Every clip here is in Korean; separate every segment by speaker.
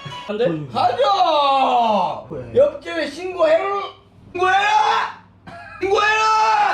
Speaker 1: 안 돼?
Speaker 2: 가자!
Speaker 3: 왜?
Speaker 2: 옆집에 신고해라! 신고해라!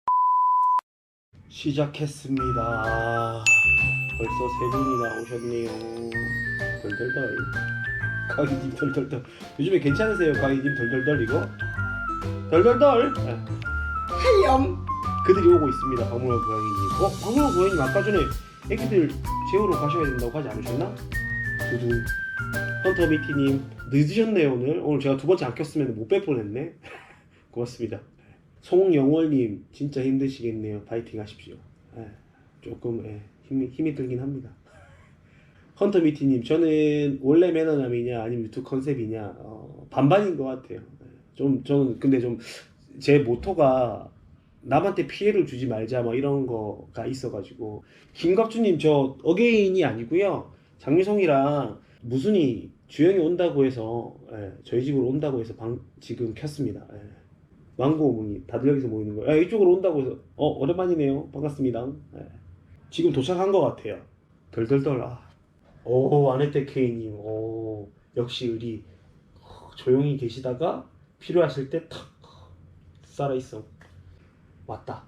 Speaker 3: 시작했습니다. 벌써 세 분이 나오셨네요. 덜덜덜. 강희님 덜덜덜. 요즘에 괜찮으세요, 강희님 덜덜덜 이거? 덜덜덜.
Speaker 2: 하염!
Speaker 3: 그들이 오고 있습니다. 박물관 고양이님. 박물관 고양이님 아까 전에 애기들 재우러 가셔야 된다고 하지 않으셨나? 두두. 헌터미티님 늦으셨네요 오늘. 오늘 제가 두 번째 안 켰으면 못 뵐 뻔했네. 고맙습니다. 송영월님 진짜 힘드시겠네요. 파이팅 하십시오. 조금 힘이 들긴 합니다. 헌터미티님 저는 원래 매너남이냐 아니면 유튜브 컨셉이냐 반반인 것 같아요. 저는 근데 좀 제 모토가 남한테 피해를 주지 말자 뭐 이런 거가 있어가지고. 김갑주님 저 어게인이 아니고요. 장미송이랑 무순이 주영이 온다고 해서 저희 집으로 온다고 해서 지금 켰습니다. 망고어머니 다들 여기서 모이는 거예요. 이쪽으로 온다고 해서 오랜만이네요. 반갑습니다. 지금 도착한 것 같아요. 덜덜덜. 오 아네테 K님. 오 역시 의리. 조용히 계시다가 필요하실 때 탁 살아있어. 왔다.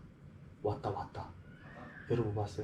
Speaker 3: 여러분 왔어요.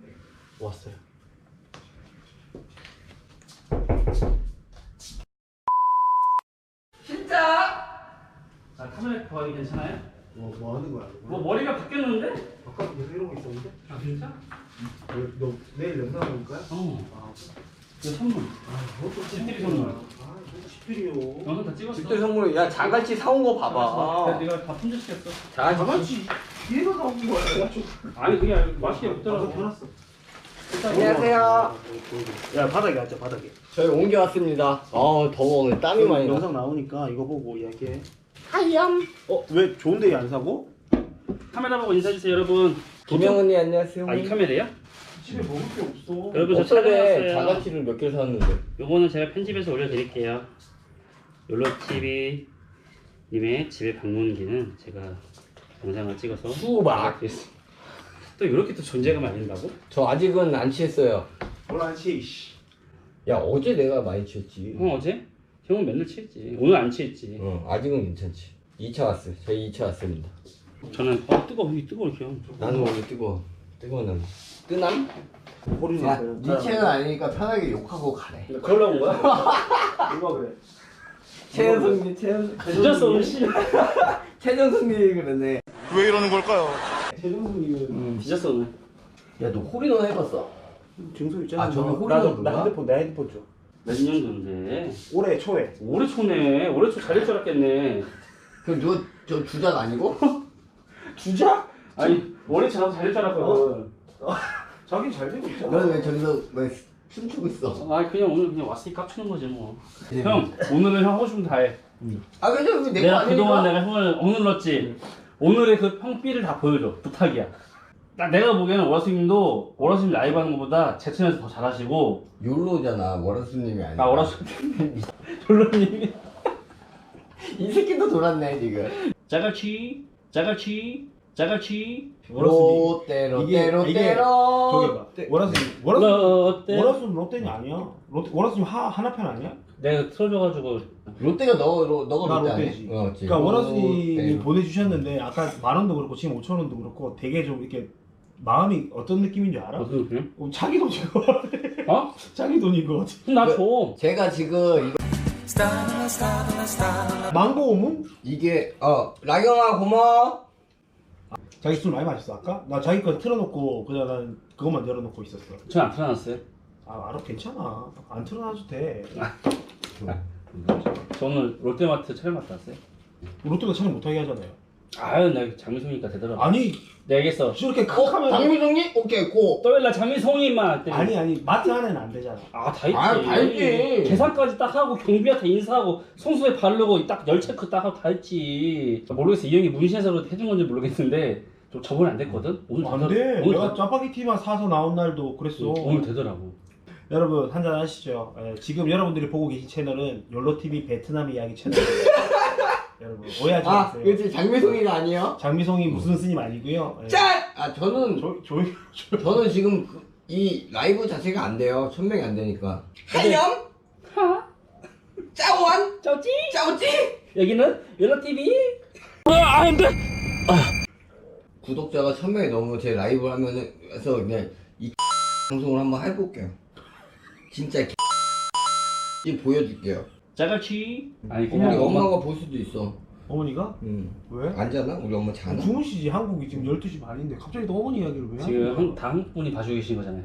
Speaker 2: 진짜?
Speaker 1: 카메라 거의 괜찮아요?
Speaker 3: 뭐 하는 거야?
Speaker 1: 뭐 머리가 바뀌었는데?
Speaker 3: 아까 계속 이러고 있었는데?
Speaker 1: 아 진짜?
Speaker 3: 너 내일 영상 올 거야?
Speaker 1: 이거 선물.
Speaker 3: 그것도
Speaker 1: 집들이 선물.
Speaker 3: 이것도 집들이요.
Speaker 1: 영상 다 찍었어.
Speaker 2: 집들 선물, 야, 자갈치 사온 거 봐봐.
Speaker 1: 내가 다 품절시켰어.
Speaker 3: 자갈치 얘가 나온 거야.
Speaker 1: 아니 그게 맛이 없더라고.
Speaker 3: 변했어.
Speaker 2: 안녕하세요.
Speaker 3: 야 바닥에 앉자 바닥에.
Speaker 2: 저희 옮겨왔습니다. 더워. 오늘 땀이 많이 나.
Speaker 3: 영상 나오니까 이거 보고 이야기해.
Speaker 2: 하염!
Speaker 3: 왜 좋은 데안 사고?
Speaker 1: 카메라 보고 인사해주세요 여러분.
Speaker 2: 김영 언니 안녕하세요.
Speaker 1: 이 카메라예요?
Speaker 3: 집에 먹을 게 없어.
Speaker 1: 여러분 저
Speaker 2: 어쩌래
Speaker 1: 촬영했어요.
Speaker 2: 자갈치를 몇 개를 사왔는데.
Speaker 1: 요거는 제가 편집해서 올려드릴게요. 욜로TV 님의 집에 방문기는 제가 영상을 찍어서
Speaker 2: 수박.
Speaker 1: 또 이렇게 또 존재감 알린다고?
Speaker 2: 저 아직은 안 취했어요.
Speaker 3: 뭘안 치? 씨.
Speaker 2: 야, 어제 내가 많이 취했지.
Speaker 1: 어제? 형은 맨날 취했지. 오늘 안 취했지.
Speaker 2: 아직은 괜찮지. 2차 왔어요. 저희 2차 왔습니다.
Speaker 1: 저는 뜨거워 이렇게 형.
Speaker 2: 나는 원래 뜨거워. 뜨거운 남. 뜨남?
Speaker 3: 허리
Speaker 2: 야,
Speaker 3: 나요.
Speaker 2: 네 채널 아니니까 편하게 욕하고 가래.
Speaker 1: 그러려고 온 거야?
Speaker 3: 누가 그래?
Speaker 2: 최현성님,
Speaker 1: 늦었어 오늘 씨.
Speaker 2: 최현성님이 그러네.
Speaker 4: 왜 이러는 걸까요?
Speaker 3: 최정수님은
Speaker 1: 늦었어 오늘.
Speaker 2: 야, 너 홀인원 해봤어?
Speaker 3: 증서 있잖아.
Speaker 2: 아, 저는 홀이라고
Speaker 3: 나도
Speaker 2: 그런가?
Speaker 3: 내 핸드폰 줘.
Speaker 1: 몇 년도인데?
Speaker 3: 올해 초에.
Speaker 1: 올해 초네. 올해 초 잘릴 줄 알았겠네.
Speaker 2: 그럼 너 저 주작 아니고?
Speaker 3: 주작?
Speaker 1: 아니 올해 초 나도 잘릴 줄 알았거든.
Speaker 3: 자기 잘 되고 있잖아.
Speaker 2: 너는 왜 저기서 왜 춤추고 있어?
Speaker 1: 아 그냥 오늘 그냥 왔으니까 깝치는 거지 뭐. 형 오늘은 형 하고 싶은 거 다 해.
Speaker 2: 아, 근데 왜 내거
Speaker 1: 내가
Speaker 2: 아니니까?
Speaker 1: 그동안 내가 형을 억눌렀지. 오늘의 그 형삐를 다 보여줘. 부탁이야. 내가 보기에는 오라스님도 오라스님 라이브 하는 것보다 제 채널에서 더 잘하시고.
Speaker 2: 욜로잖아. 월화수님이 아니야.
Speaker 1: 오라스님 졸로님이
Speaker 2: 이 새끼도 돌았네 지금.
Speaker 1: 짜갈치
Speaker 2: 롯데
Speaker 3: 이게 저기 봐.
Speaker 2: 롯데.
Speaker 1: 롯데.
Speaker 3: 워라순 롯데는 아니야. 워라순 하나편 아니야?
Speaker 1: 내가 틀어줘가지고
Speaker 2: 롯데가 너가
Speaker 3: 나
Speaker 2: 롯데 아니야?
Speaker 3: 롯데지. 그러니까 워라순이 보내주셨는데 아까 10,000원도 그렇고 지금 5,000원도 그렇고 되게 좀 이렇게 마음이 어떤 느낌인 줄 알아?
Speaker 1: 무슨 느낌?
Speaker 3: 자기 돈인 거 같아.
Speaker 1: 어?
Speaker 3: 자기 돈인 거 같아.
Speaker 1: 그럼 나 줘.
Speaker 2: 제가 지금
Speaker 3: 망고 오문?
Speaker 2: 이게 라경아 고마워.
Speaker 3: 자기 술 많이 마셨어 아까? 나 자기 거 틀어놓고 그냥 난 그것만 열어놓고 있었어.
Speaker 1: 전 안 틀어놨어요.
Speaker 3: 알아 괜찮아. 안 틀어놔도 돼.
Speaker 1: 저 오늘 롯데마트 촬영 갔다 왔어요.
Speaker 3: 롯데가 촬영 못하게 하잖아요.
Speaker 1: 아유 나 장미송이니까 되더라고.
Speaker 3: 아니
Speaker 1: 내가 얘기했어.
Speaker 3: 저렇게 큰 카메라.
Speaker 2: 장미정리? 오케이 고.
Speaker 1: 또일라 장미송이만.
Speaker 3: 아니 마트 안에는 안 되잖아.
Speaker 1: 다 있지.
Speaker 2: 다 있지.
Speaker 1: 계산까지 딱 하고 경비한테 인사하고 성수에 바르고 딱 열 체크 딱 하고 다 했지. 모르겠어 이 형이 문신해서 해준 건지 모르겠는데 좀 저번에 안 됐거든. 오늘
Speaker 3: 안 돼. 내가 짜파게티만 사서 나온 날도 그랬어.
Speaker 1: 오늘 되더라고.
Speaker 3: 여러분 한잔 하시죠. 지금 여러분들이 보고 계신 채널은 욜로TV 베트남 이야기 채널이에요. 여러분 오해하지 마세요.
Speaker 2: 그렇지 장미송이가 아니에요?
Speaker 3: 장미송이 무슨 스님 아니고요.
Speaker 2: 짠! 저는
Speaker 3: 조용히.
Speaker 2: 저는 지금 이 라이브 자체가 안 돼요. 1000명이 안 되니까. 하염?
Speaker 1: 짜오찌?
Speaker 2: 짜오지?
Speaker 1: 여기는 옐로TV.
Speaker 2: 구독자가 1000명이 넘으면 제 라이브 하면은 그래서 그냥 이 방송을 한번 해볼게요. 진짜 이 보여줄게요.
Speaker 1: 짜갈치. 아니
Speaker 2: 우리
Speaker 1: 그냥
Speaker 2: 엄마가 볼 수도 있어.
Speaker 3: 어머니가?
Speaker 2: 응.
Speaker 3: 왜?
Speaker 2: 안 자나? 우리 엄마 자나?
Speaker 3: 주무시지. 한국이 지금 12시 반인데 갑자기 또 어머니 이야기를 왜
Speaker 1: 지금
Speaker 3: 하는 거야?
Speaker 1: 다 한국 분이 봐주고 계신 거잖아요.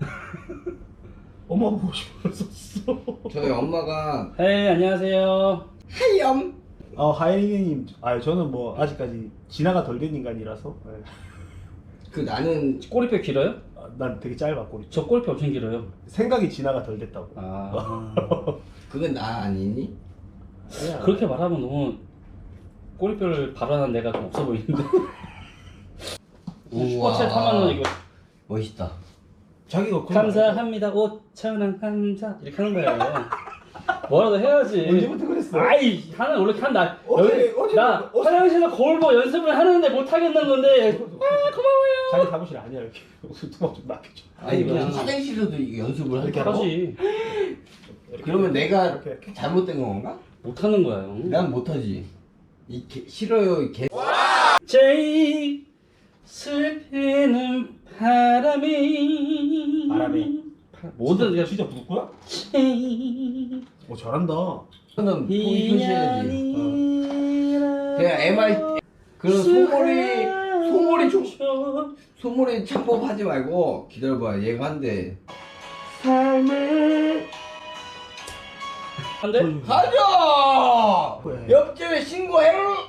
Speaker 3: 엄마 보고 싶었어.
Speaker 2: 저희 엄마가
Speaker 1: 네 안녕하세요.
Speaker 2: 하염.
Speaker 3: 하이님, 저는 뭐 아직까지 진화가 덜 된 인간이라서
Speaker 2: 그 나는
Speaker 1: 꼬리뼈 길어요?
Speaker 3: 난 되게 짧아 꼬리.
Speaker 1: 저 꼬리뼈 엄청 길어요.
Speaker 3: 생각이 진화가 덜 됐다고.
Speaker 1: 아
Speaker 2: 그건 나 아니니?
Speaker 3: 그냥
Speaker 1: 그렇게 말하면 너무 꼬리뼈를 발언한 내가 좀 없어 보이는데. 슈퍼챗 3만 원 이거
Speaker 2: 멋있다.
Speaker 3: 자기가 그런 거
Speaker 1: 감사합니다 5,000원 감사 이렇게 하는 거예요. 뭐라도 해야지.
Speaker 3: 알고. 언제부터 그랬어?
Speaker 1: 아이 하나 원래 한다.
Speaker 3: 어제
Speaker 1: 나 화장실에서 거울 보고 연습을 하는데 못 하겠는 건데. 고마워요.
Speaker 3: 자기 사무실 아니야 이렇게. 두막 좀 낚여줘.
Speaker 2: 아니
Speaker 1: 그냥-
Speaker 2: 무슨 화장실에도 이게 연습을
Speaker 3: 이렇게
Speaker 2: 할까?
Speaker 1: 하지.
Speaker 2: 그러면 내가
Speaker 3: 이렇게.
Speaker 2: 잘못된 건가?
Speaker 1: 못 하는 거야. 형.
Speaker 2: 난 못하지. 싫어요 이 개.
Speaker 1: 제일 슬피는 바람이. 뭐든 내가
Speaker 3: 진짜 부르구나?
Speaker 1: 제일
Speaker 3: 잘한다.
Speaker 2: 저는 표시해야지.
Speaker 1: 인연이라.
Speaker 2: 그냥 MR 그런 소몰이 창법하지 말고 기다려봐. 얘가 한대. 삶을
Speaker 1: 한데?
Speaker 2: 가자.
Speaker 3: 왜?
Speaker 2: 옆집에 신고해라.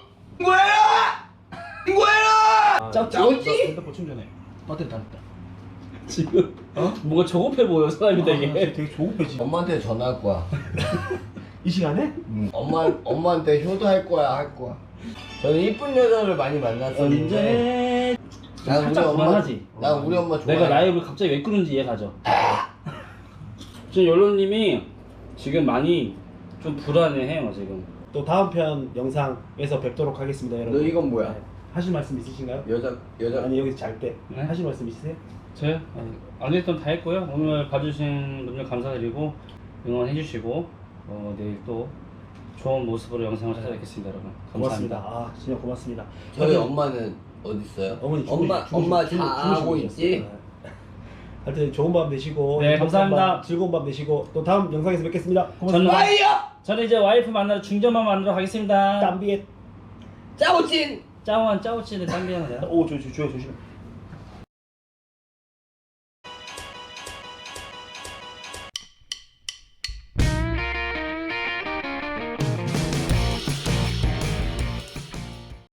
Speaker 2: 신고해라. 짜오지?
Speaker 3: 핸드폰 충전해. 배터리 다 됐다.
Speaker 1: 지금 뭔가 조급해 보여 사람이 되게.
Speaker 3: 되게 조급해지.
Speaker 2: 엄마한테 전화할 거야.
Speaker 3: 이 시간에?
Speaker 2: 엄마한테 효도할 거야. 저는 이쁜 여자를 많이 만났었는데
Speaker 1: 언제?
Speaker 2: 난 우리
Speaker 1: 살짝
Speaker 2: 엄마
Speaker 1: 그만하지.
Speaker 2: 난 우리 엄마 좋아해.
Speaker 1: 내가 라이브를 갑자기 왜 끄는지 이해가죠. 지금 연로님이 지금 많이 좀 불안해해요 지금.
Speaker 3: 또 다음 편 영상에서 뵙도록 하겠습니다, 여러분.
Speaker 2: 너 이건 뭐야?
Speaker 3: 네. 하실 말씀 있으신가요?
Speaker 2: 여자
Speaker 3: 아니 여기서 잘 때
Speaker 1: 네?
Speaker 3: 하실 말씀 있으세요?
Speaker 1: 저요? 안 했던 다 했고요. 오늘 봐주신 분들 감사드리고 응원해주시고 내일 또 좋은 모습으로 영상을 찾아뵙겠습니다, 여러분.
Speaker 3: 고맙습니다.
Speaker 1: 감사합니다.
Speaker 3: 진짜 고맙습니다.
Speaker 2: 저희 엄마는 어디 있어요?
Speaker 3: 어머니
Speaker 2: 엄마 자고 있지?
Speaker 3: 하여튼 좋은 밤 되시고
Speaker 1: 네,
Speaker 3: 행복한
Speaker 1: 감사합니다.
Speaker 3: 밤, 즐거운 밤 되시고 또 다음 영상에서 뵙겠습니다. 고맙습니다.
Speaker 1: 저는 이제 와이프 만나러 중전만 만나러 가겠습니다.
Speaker 3: 땀비에
Speaker 2: 짜오진.
Speaker 1: 짜오한 짜오치는 땀비하는 거야.
Speaker 3: 조심해.